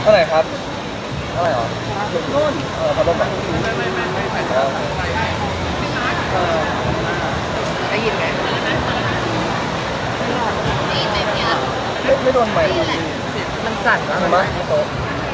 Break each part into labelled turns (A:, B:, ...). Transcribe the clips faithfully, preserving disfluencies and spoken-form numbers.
A: เท่าไหร่ครับเท่าไหร่หรอนู่นเออพัดลมไหนไม่ไม่ไม่ไม่ไม่
B: ได้ยินไหม
A: ไม่ไม่โดนไหม
B: มันสั่นมาก
A: ใช่ไหมโต๊ะ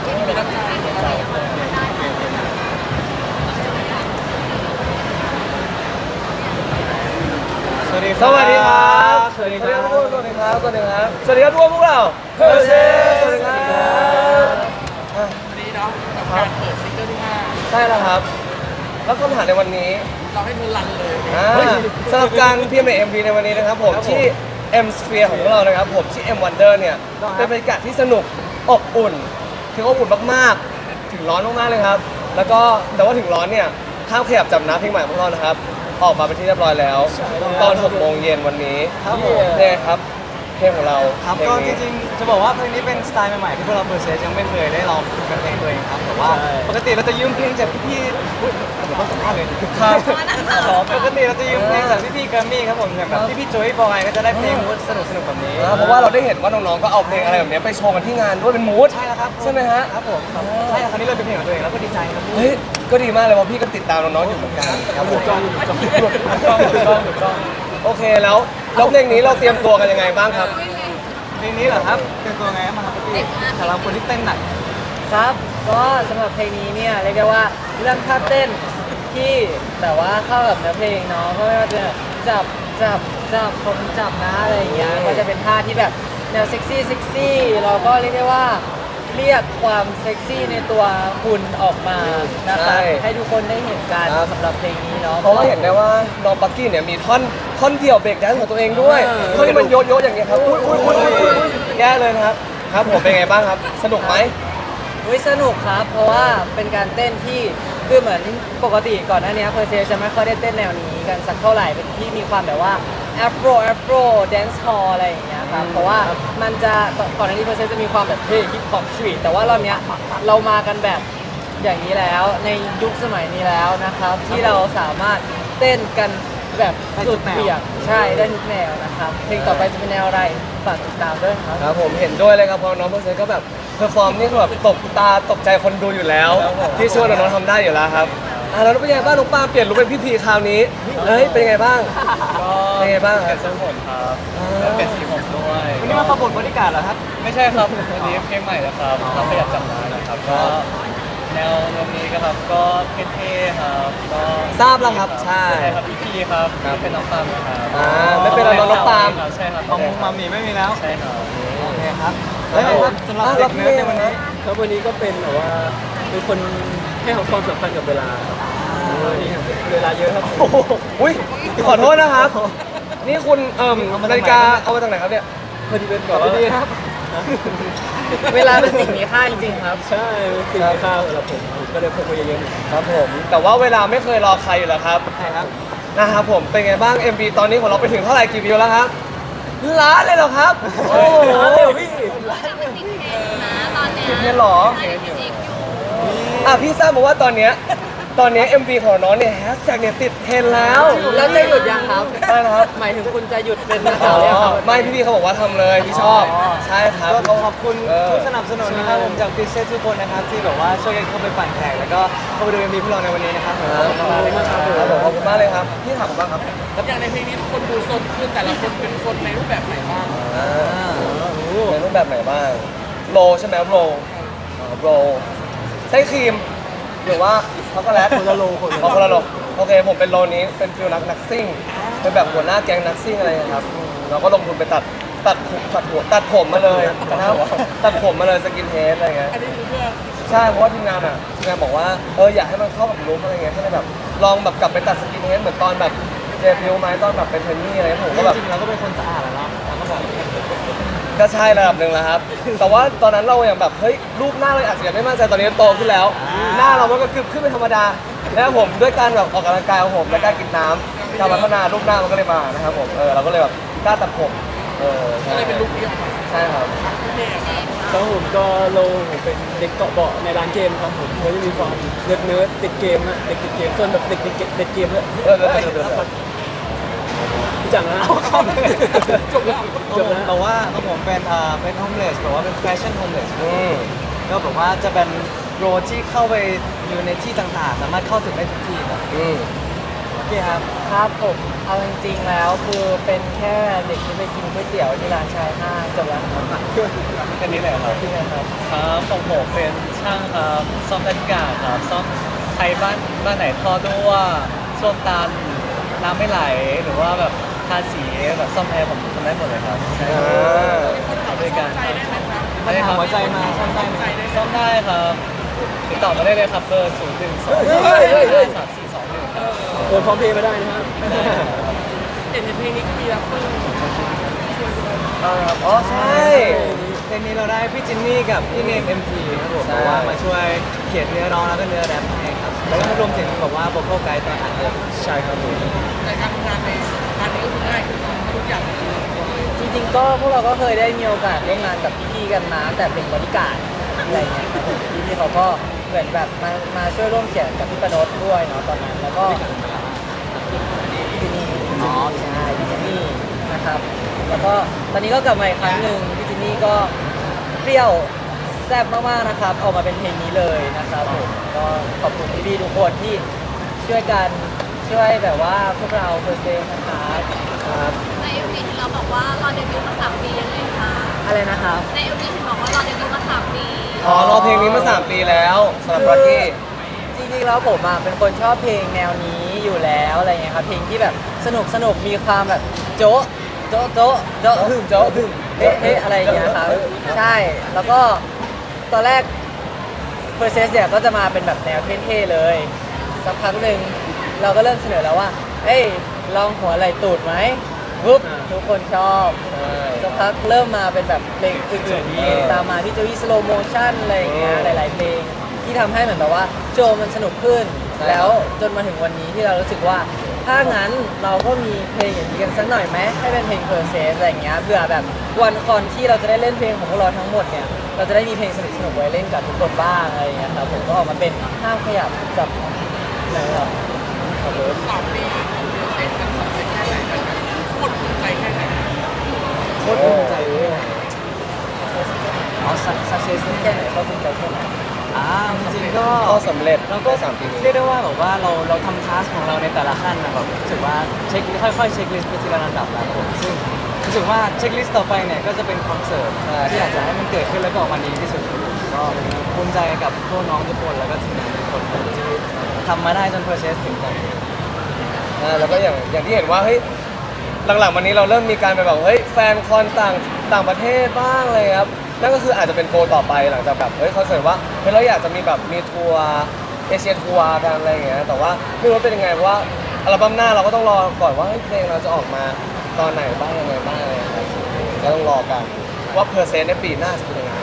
A: สวัสดีครับ สวัสดีครับ สวัสดีครับสวัสดีครับ สวัสดีครับ สวัสดีครับทุกคนพวกเราเพอร์เซสวัสดีครับ
B: วันนี้เนาะกับการเปิดซิงเกิลที่ห้า
A: ใช่แล้วครับ แล้วคำถามในวันนี้
B: เราให้เธอรันเลย
A: สำหรับการพิมพ์ใน เอ็ม วี ในวันนี้นะครับผมที่ M Sphere ของพวกเรานะครับผมที่ M Wonder เนี่ยเป็นบรรยากาศที่สนุกอบอุ่นถึงอบอุ่นมากๆถึงร้อนมากๆเลยครับแล้วก็แต่ว่าถึงร้อนเนี่ยห้ามขยับจับน้ำเพลงใหม่ของพวกเรานะครับออกมาเป็นที่เรียบร้อยแล้วตอนหกโมงเย็นวันนี้ครับผมเนี่ยครับเพลงของเรา
C: ครับก็จริงๆจะบอกว่าเพลงนี้เป็นสไตล์ใหม่ๆที่พวกเราเพอร์เซสยังไม่เคยได้ลองเป็นเพลงตัวเองครับแต่ว่าปกติเราจะยืมเพลงจากพี่ๆอุ๊ยผมต้องสัมภาษณ์เลยครับปกติเราจะยืมเพลงจากพี่ๆแกรมมี่ครับผมอย่างแบบพี่ๆโจยบอยก็จะได้เพลงมูดสนุกๆแบบนี้
A: เพราะว่าเราได้เห็นว่าน้องๆก็เอาเพลงอะไรแบบนี้ไปโชว์กันที่งานด้วยเป็นมูด
C: ใช่แล้วครับ
A: ใช่ไหมฮะ
C: ครับผมใช่คราวนี้เลยเป็นเพลงของตัวเองแล้วก็ดีใจครับ
A: เฮ้ยก็ดีมากเลยเพราะพี่ก็ติดตามน้องๆอยู่เหมือนกันครับผม
C: จ้องจ้องจ้องจ้องจ้อง
A: โอเคแล้วแล้วเพลงนี้เราเตรียมตัวกันยังไงบ้างครับ
C: เพลงนี้เหรอครับเป็นตัวไงมาครับพี่สำหรับคนที่เต้นหนัก
B: ครับก็สำหรับเพลงนี้เนี่ยเรียกได้ว่าเรื่องท่าเต้นที่แต่ว่าเข้ากับเนื้อเพลงเนาะก็ไม่ว่าจะจับจับจับผมจับนะอะไรอย่างเงี้ยก็จะเป็นท่าที่แบบแนวเซ็กซี่เซ็กซี่เราก็เรียกได้ว่าเรียกความเซ็กซี่ในตัวคุณออกมานะครับให้ทุกคนได้เห็นกันสำหรับเพลงนี้เนาะ
A: เพราะว่าเห็นได้ว่าน้องปักกี้เนี่ยมีท่อนท่อนเดี่ยวเบรกแดนซ์ของตัวเองด้วยท่อนที่มันโยโย่อย่างเงี้ยครับอุ้ยอุ้ยอุ้ยอุ้ยแย่เลยครับครับผมเป็นไงบ้างครับสนุกไหม
B: วิสนุกครับเพราะว่าเป็นการเต้นที่คือเหมือนปกติก่อนหน้านี้เพอร์เซจะไม่ค่อยได้เต้นแนวนี้กันสักเท่าไหร่เป็นที่มีความแบบว่าแอฟโรแอฟโรแดนซ์ฮอลอะไรอย่างเงี้ยครับเพราะว่ามันจะก่อนหน้านี้เพอร์เซจะมีความแบบเท่ฮิปฮอปสตรีทแต่ว่ารอบเนี้ยเรามากันแบบอย่างนี้แล้วในยุคสมัยนี้แล้วนะครับที่เราสามารถเต้นกันแบบสุดเบี่ยงใช่ได้ทุกแนวนะครับเพลงต่อไปจะเป็นแนวอะไรฝากติดตามด้วยครับ
A: ครับผมเห็นด้วยเลยครับเพราะน้องเพอร์เซก็แบบเพอร์ฟอร์มนี่คือแบบตกตาตกใจคนดูอยู่แล้วที่ช่วยน้องๆทำได้อยู่แล้วครับอ่าแล้วเป็นยังไงบ้างน้องปาเปลี่ยนลุคเป็นพิธีคราวนี้เฮ้ยเป็นยังไงบ้างเป็นยังไงบ้างครับ
C: เปลี่ยนทรงผมครับ
A: เปลี่ยน
C: สีผมด้วยวันนี้มาประกวดบริการเหรอครับ
D: ไม่ใช่ครับวันนี้เพลงใหม่แล้วครับเราขยับจับน้ำนะครับก็แนวแนวนี้ก็ครับก็เท่ๆครับก็
A: ทราบแล้วครับใช่
D: ครับพี่พีครับเป็นน้องปามนะครับ
A: อ่าไม่เป็นไรน้องปาม
D: ใช่ครับ
C: ของมามีไม่มีแล้ว
D: ใช่ครับ
C: โอเคครับแล้วครับสำหรับเด็กเนิร์ดในวันนี้
D: ครับวันนี้ก็เป็นแบบว่าเป็นคนให้ความสำคัญกับเวลาเวลาเยอะครับ
A: อุ้ยขอโทษนะครับนี่คุณเอ่มนาฬิกาเอามาจากไหนครับเนี่ย
D: พอดีเป็นแบบว่า
C: ดีครับ
B: เวลาเป็นสิ่งมีค่าจริงๆครับ
D: ใช่สิ่งมีค่าสำหรับผมก็เลยพกมาเยอะ
A: ๆครับผมแต่ว่าเวลาไม่เคยรอใครอยู่แล้วครับ
C: ใช่ครับ
A: นะครับผมเป็นไงบ้าง เอ็ม วี ตอนนี้ของเราไปถึงเท่าไหร่กี่วิวแล้วครับล้านเลยเหรอครับโอ้โหพี่
E: ล้านติดเทรนนะตอนเนี้ย
A: ติดเทรนหรออ่ะพี่ทราบมาว่าตอนเนี้ยตอนนี้ เอ็ม วี ของน้องเนี่ยแฮชแท็กเนี่ยติดเทรนแล้ว
B: แล้วจะหยุดยังครับ
A: ใช่ครับ
B: หมายถึงคุณจะหยุดเป็นนักข่าวหรือยังครับ
A: ไม่พี่ๆเขาบอกว่าทำเลยพี่ชอบใช่ครับ
C: ก็ขอบคุณผู้สนับสนุนนะครับผมจากพิเศษทุกคนนะครับที่แบบว่าช่วยกันเข้าไปปั่นแท็กแล้วก็เข้าไปดู เอ็ม วี พวกเราในวันนี้นะครับขอบคุณมากเลยครับ
A: ขอบคุณมากเลยครับพี่ถามบ้างครับ
B: แล้วอย่างในเพลงนี้คนดูโซนขึ้นแต่ละคนเป็นโซนในรูปแบบไหนบ้าง
A: ในรูปแบบไหนบ้างโรใช่ไหมโรโรใช้ครีมหรือว่าช็อกโกแลต
C: คนละโลคนละโล
A: คนละโลโอเคผมเป็นโลนี้เป็นฟิลนักนักซิ่งเป็นแบบหัวหน้าแก๊งนักซิ่งอะไรครับเราก็ลงทุนไปตัดตัดตัดหัวตัดผมมาเลยนะครับตัดผมมาเลยสกินเฮดอะไรเงี้ย
B: อันนี้คือเพื่อ
A: ใช่เพราะว่าทีมงานอ่ะทีมงานบอกว่าเอออยากให้มันเข้ากับลุคอะไรเงี้ยก็เลยแบบลองแบบกลับไปตัดสกินเฮดเหมือนตอนแบบเดบิวต์ไหมตอนแบบเป็นเทนนี่อะไรผมก็แบบ
C: จริงๆเราก็เป็นคนสะอาดแล้วเนาะเราก็บอก
A: ก็ใช่ระดับหนึ่งแล้วครับแต่ว่าตอนนั้นเราอย่างแบบเฮ้ยรูปหน้าเราอาจจะยังไม่มั่นใจตอนนี้โตขึ้นแล้วหน้าเรามันก็ขึ้นเป็นธรรมดาแล้วผมด้วยการแบบออกกำลังกายของผมและการกินน้ำการพัฒนารูปหน้ามันก็เลยมานะครับผมเออเราก็เลยแบบกล้าตัดผมเออ
B: ก็เลยเป็นลุคนี้ออกมา
A: ใช่ครับ
D: ครับผมก็โลผมเป็นเด็กเกาะเบาะในร้านเกมครับผมก็จะมีความเนิร์ดเนิร์ดติดเกมนะเด็กติดเกมส่วนแบบเด็กติดเกมด้วย
A: เออเออเออ
D: พี่จังนะ
C: จบแล้วจบแล้วแต่ว่าผมเป็นอ่าเป็นโฮมเลสแต่ว่าเป็นแฟชั่นโฮมเลสก็แบบว่าจะเป็นโรดที่เข้าไปอยู่ในที่ต่างๆ สามารถเข้าถึงได้ทุกที่ครับ
A: อืม
C: โอเคครับ
B: ครับผมเอาจริงๆแล้วคือเป็นแค่เด็กที่ไปกินก๋วยเตี๋ยวที่ร้านชายห้างจบแล้วครับ
C: แค่นี้เลยครับ
B: ที่นะครับ
C: ครับของผมเป็นช่างครับซ่อมนาฬิกาครับซ่อมใครบ้านบ้านไหนท่อรั่วส้วมตันน้ำไม่ไหลหรือว่าแบบทาสีแบบซ่อมแอร์ผมทำได้หมดเลยครับใช่ครับ
A: อ่า
C: บริการมาถามหัวใจมาซ่อมได้ไหมซ่อมได้ครับติดต่อมาได้เลยครับเบอร์ศูนย์หนึ่งสอง
D: เฮ้ยเฮ้ยเฮ้ย
C: สามสี่สองหนึ่งครับ
D: โอนพร้อมเพย์มาได้นะครับ
A: อ๋อใช่
C: เพลงนี้เราได้พี่จินนี่กับพี่เนม เอ็ม ที ครับผม
A: ใช่
C: บอกว่ามาช่วยเขียนเนื้อร้องแล้วก็เนื้อแรปให้ครับแล้วก็รวมถึงบอกว่าโบโคไกด์ตอนอัดเลยใช่ครับผม
B: จริงๆก็พวกเราก็เคยได้มีโอกาสร่วมงานกับพี่ๆกันมาแต่เป็นบริการดอะไรเงี้ยครับผมพี่ๆเขาก็เหมือนแบบมามาช่วยร่วมเขียนกับพี่ปนดด้วยเนาะตอนนั้นแล้วก็ที่นี่อ๋อใช่พี่จินนี่นะครับ แล้วก็ตอนนี้ก็กลับมาอีกครั้งหนึ่งพี่จินนี่ก็เปรี้ยวแซ่บมากๆนะครับออกมาเป็นเพลงนี้เลยนะครับผมก็ขอบคุณพี่ๆทุกคนที่ช่วยกันช่วยแบบว่าพวกเราเพอร์เซนต์นะครับครับ
E: ในเอ็มวีที่เราบอกว่ารอเดบิวต์มาสามปียังไงคะ
B: อะไรนะครับ
E: ในเอ็มวีที่บอกว่ารอเดบิวต์มาสามปี
A: อ๋อรอเพลงนี้มาสามปีแล้วสำหรับร็อกกี้
B: จริงๆแล้วผมอ่ะเป็นคนชอบเพลงแนวนี้อยู่แล้วอะไรเงี้ยครับเพลงที่แบบสนุกสนุกมีความแบบโจ๊ะโจ๊ะโจ๊ะโจ๊ะหึ่มโจ๊ะหึ่มเอ๊ะเอ๊ะอะไรอย่างเงี้ยครับใช่แล้วก็ตอนแรก p e r s e s เนี่ยก็จะมาเป็นแบบแนวเท่ๆเลยสักพักหนึ่งเราก็เริ่มเสนอแล้วว่าเอ้ยลองหัวไหล่ตูดไหมปุ๊บทุกคนชอบสักพักเริ่มมาเป็นแบบเพลงอื่นๆที่ตามมาที่จะมี slow motion อะไรอย่างเงี้ยหลายๆเพลงที่ทำให้เหมือนแบบว่าโชว์มันสนุกขึ้น แล้วจนมาถึงวันนี้ที่เรารู้สึกว่า ถ้างั้นเราก็มีเพลงอย่างนี้กันสักหน่อยไหมให้เป็นเพลง p e r s e s อะไรอย่างเงี้ยเพื่อแบบวันคอนที่เราจะได้เล่นเพลงของพวกเราทั้งหมดเนี่ยเราจะได้มีเพลงสนุกๆไว้เล่นกับทุกคนบ้างอะไรอย่างเงี้ยครับผมก็ออกมาเป็นห้ามขยับกับนะครับครับผม
C: โคตรภูมิใจเลยอ๋อ success
B: แค่ไหนก็ภูมิใจแค่ไหน
C: อ่าจริงๆก็
A: ก็สำเร็จ
C: เราก็
A: สามปีนี้
C: เรียกได้ว่าแบบว่าเราเราทำทัสของเราในแต่ละขั้นนะแบบรู้สึกว่าเช็คค่อยๆเช็คลิสต์ไปทีละลำดับแล้วผมซึ่งรู้สึกว่าเช็คลิสต์ต่อไปเนี่ยก็จะเป็นคอนเสิร์ตที่อยากจะให้มันเกิดขึ้นแล้วก็ออกมาดีที่สุดก็ภูมิใจกับพวกน้องทุกคนแล้วก็ทีมงานทุกคนที่ทำมาได้จน process ถึงตอนนี้
A: อ่าแล้วก็อย่างอย่างที่เห็นว่าเฮ้ยหลังๆวันนี้เราเริ่มมีการไปแบบเฮ้ยแฟนคอนต่างต่างประเทศบ้างเลยครับนั่นก็คืออาจจะเป็นโกลต่อไปหลังจากแบบเฮ้ยคอนเสิร์ตว่าเฮ้ยเราอยากจะมีแบบมีทัวร์เอเชียทัวร์กันอะไรอย่างเงี้ยแต่ว่าไม่รู้ว่าเป็นยังไงเพราะว่าอัลบั้มหน้าเราก็ต้องรอก่อนว่าเฮ้ยเพลงเราจะออกมาตอนไหนบ้างยังไงบ้างอะไรอย่างเงี้ยก็ต้องรอกันว่าเพอร์เซนต์ในปีหน้าจะเป็นยังไง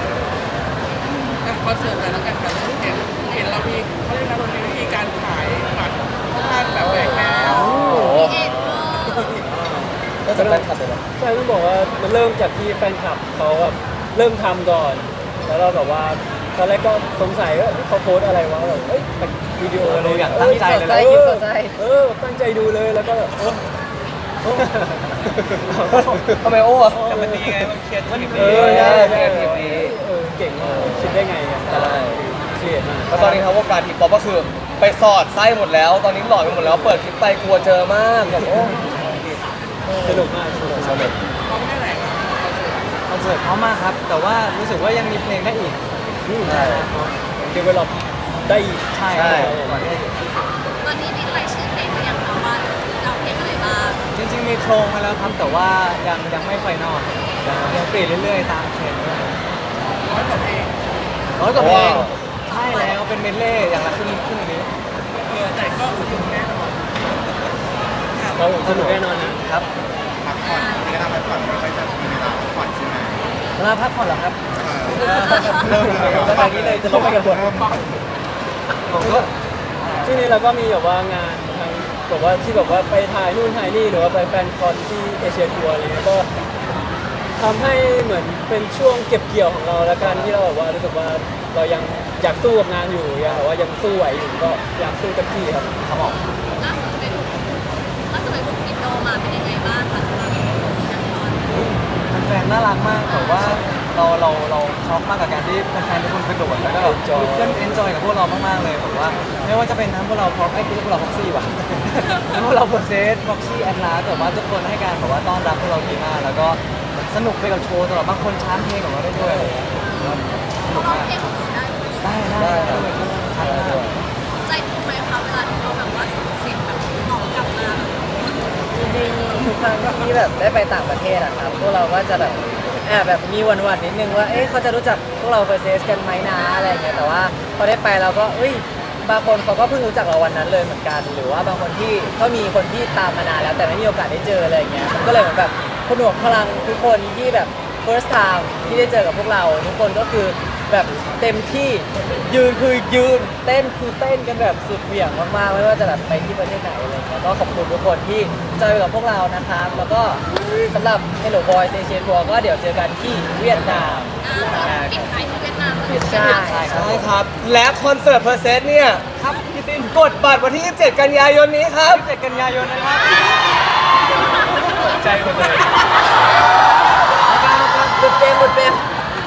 F: คอนเสิร์ตอะไรแล้วกันครับเห็นเห็นเรามีเขาเรียกนะเรามีวิธีการขายบัตรค่อนข้างแบบแหวกแนว
E: เอ็ดเวอร์
A: ก็จะแฟนคลับเลยนะ
D: ใช่ต้องบอกว่ามันเริ่มจากที่แฟนคลับเขาแบบเริ่มทำก่อน แล้วเราแบบว่าตอนแรกก็สงสัยว่าเขาโพสต์อะไรวะแบบเอ้ยเป็นวิดีโออะไร
C: เราอยากตั้งใจเลย
B: สดใส
D: เอ
B: ยิ้ม
D: อ
B: สดใส
D: เออตั้งใจดูเลยแล้วก็แบบเออเออ
A: ทำไมโอ้อะ
C: แต่มันดีไงมันเครียดมันดี
D: เออใช่ใช่
A: เออดี
D: เออเก่งมากคิดได้ไงกันแต่ละเครียดมาก
A: แล้วตอนนี้ครับวงการทีป๊อปก็คือไปสอดไส้หมดแล้ว ตอนนี้หลอดไปหมดแล้วเปิดคลิปไปกลัวเจอมากแบบโอ้
D: สนุกมากสนุก
A: สนุก
C: คอนเสิร์ตเพราะมากครับ แต่ว่ารู้สึกว่ายังมีเพลงได้อีก
A: ใช่
D: เดเวลลอปได้อีก
C: ใช่
A: ใช่
C: ก่อนที่จะถึง
E: ตอนนี้มีรายชื่อเพลงหรือยังคะว่าจะเอาเพลงอะไรบ้าง
C: จริงๆมีโครงมาแล้วครับ แต่ว่ายังยังไม่ไฟนอลยังเปลี่ยนเรื่อยๆตามเทรนด์ด้วยร้อยกว่าเพลงร้อยกว่าเพลงใช่แล้วเป็นเมดเล่อย่างละครึ่งครึ่งนี้
F: แต่ก็สนุกแน่นอน
D: เราสนุกแน่นอนนะครับ
G: พักผ่อนเวลาพักผ่อนไม่ค่อยจะมีเวลาพักผ่อนใช่ไหม
B: เวลาพักผ่อนเหรอครับ
G: เริ่มเลย
B: แล้วตอนนี้เลยจะลงไปกับบท
C: ผมก็
D: ช่วงนี้เราก็มีแบบว่างานทั้งแบบว่าที่แบบว่าไปถ่ายนู่นถ่ายนี่หรือว่าไปแฟนคอนที่เอเชียทัวร์อะไรเงี้ยก็ทำให้เหมือนเป็นช่วงเก็บเกี่ยวของเราแล้วกันที่เราแบบว่ารู้สึกว่าเรายังอยากสู้กับงานอยู่ยังแบบว่ายังสู้ไหวอยู่ก็อยากสู้เต็มที่ครับ
C: ครับผม
E: ล่าสุดไปบุกล่าสุดไปบุกอินโดมาเป็นยังไงบ้างคะสำหรับนักคอน
C: แฟนๆน่ารักมากแต่ว่าเราเราเราเขาช็อกมากกับการที่แฟนๆทุกคนกระโดดแล้วก็แบบลุกขึ้นเอนจอยกับพวกเรามากๆเลยผมว่าไม่ว่าจะเป็นทั้งพวกเราพร็อพไอ้พวกเราพ็อกซี่ว่ะ ทั้งพวกเราโปรเซสพ็อกซี่แอนลาแต่ว่าทุกคนให้การแบบว่าต้อนรับพวกเราดีมากแล้วก็สนุกไปกับโชว์ตลอดบางคนช้ามเพลงของเราได้ด้วยอะไรอย่างเงี้ยสนุก
E: ร้อง
C: มาก
E: เพลงของเราได้
C: ได้ได้ได้ชัดมาก
E: ใจฟูไหมคะเวลาที่เราแบบว่าเสียงแบบออกกลับมา
B: จริงๆทุกครั้งที่แบบได้ไปต่างประเทศอะครับพวกเราก็จะแบบแอบแบบมีหวั่นๆนิดนึงว่าเอ๊ะเขาจะรู้จักพวกเราเฟอร์เซสกันไหมนะอะไรอย่างเงี้ยแต่ว่าพอได้ไปเราก็เอ้ยบางคนเขาก็เพิ่งรู้จักเราวันนั้นเลยเหมือนกัน หรือว่าบางคนที่ก็มีคนที่ตามมานานแล้วแต่ไม่มีโอกาสได้เจออะไรอย่างเงี้ยมันก็เลยเหมือนแบบผนวกพลังทุกคนที่แบบ first time ที่ได้เจอกับพวกเราทุกคนก็คือแบบเต็มที่ยืนคือยืนเต้นคือเต้นกันแบบสุดเหวี่ยงมากๆไม่ว่าจะแบบไปที่ประเทศไหนอะไรอย่างเงี้ยก็ขอบคุณทุกคนที่จอยไปกับพวกเรานะครับแล้วก็สำหรับ Hello Boys Asia Tour ก็เดี๋ยวเจอกันที่เวียดนาม
E: อ่าปิดท้ายที่เวียดนามเลย
B: ใช่
C: ใช่ครับ
A: ใช่ครับ และคอนเสิร์ตเพอร์เซสเนี่ย
C: ครับพี่ติน
A: กดบัตรวันที่ ยี่สิบเจ็ด กันยายนนี้ครับ
C: เจ็ดกันยายนนะครับ
A: ใจหมดเลย
B: หลุดเฟรมหลุดเฟรม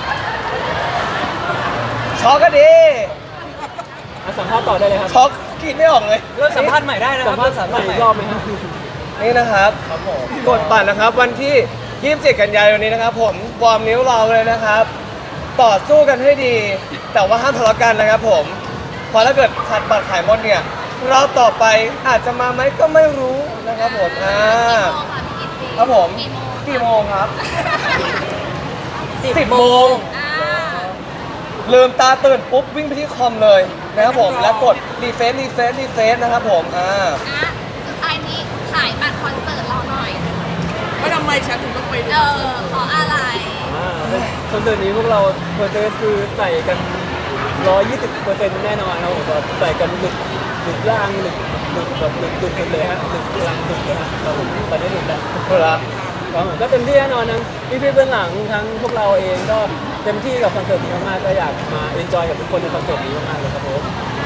A: ช็อกก็ดี
D: อ่ะสัมภาษณ์ต่อได้เลยครับ
A: ช็อกกรีดไม่ออกเลย
C: เริ่มสัมภาษณ์ใหม่ได้นะค
D: สั
C: รั
D: ม
C: บ
D: ภาษณ์
C: เริ่ม
D: ใหม่อีกรอบไหมครับ
A: นี่นะครับกดบัตรนะครับวันที่ ยี่สิบเจ็ด กันยายนนี้นะครับ ผมวอร์มนิ้วเราเลยนะครับ ต่อสู้กันให้ดี แต่ว่าห้ามทะเลาะกันนะครับผมเพราะถ้าเกิดขาดบัตรขายหมดเนี่ยรอบต่อไปอาจจะมาไหมก็ไม่รู้นะครับผมอ่า ครับผม
E: กี่โมง
A: กี่โมงครับ
B: สิบ
A: สิบ
B: โม
A: โม
B: ง
A: ง
E: อ่า
A: ลืมตาตื่นปุ๊บวิ่งไปที่คอมเลยนะครับผมแล้วกดรีเฟซรีเฟซรีเฟซนะครับผมอ่า
E: อ่ะสุดท้ายนี้ขายบัตรคอนเสิร์ตเราหน่อย
F: ว่าทำไมฉันถึงต้องไปดู
E: เออเพราะอะไร
D: อ่าคอนเสิร์ตนี้พวกเราเพอร์เซสคือใส่กัน ร้อยยี่สิบเปอร์เซ็นต์ แน่นอนครับผมแบบใส่กันหลุดหลุดล่างหลุดหลุดแบบหลุดหลุดหมดเลยฮะหลุดล่างหลุดเลยฮะครับผมตอนนี้หลุดแล้ว
A: เพื่อ
D: ครับผมก็เต็มที่แน่นอนทั้งพี่พี่ๆเบื้องหลังทั้งพวกเราเองก็เต็มที่กับคอนเสิร์ตนี้มากๆก็อยากมาเอนจอยกับทุกคนในคอนเสิร์ตนี้มากๆเลยครับผม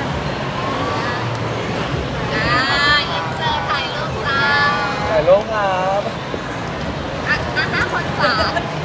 E: อ่าอินเสิร์ตถ่ายรูปจ้า
A: ถ่ายรูปครับ
E: อ่ะอ่ะห้าคนสาม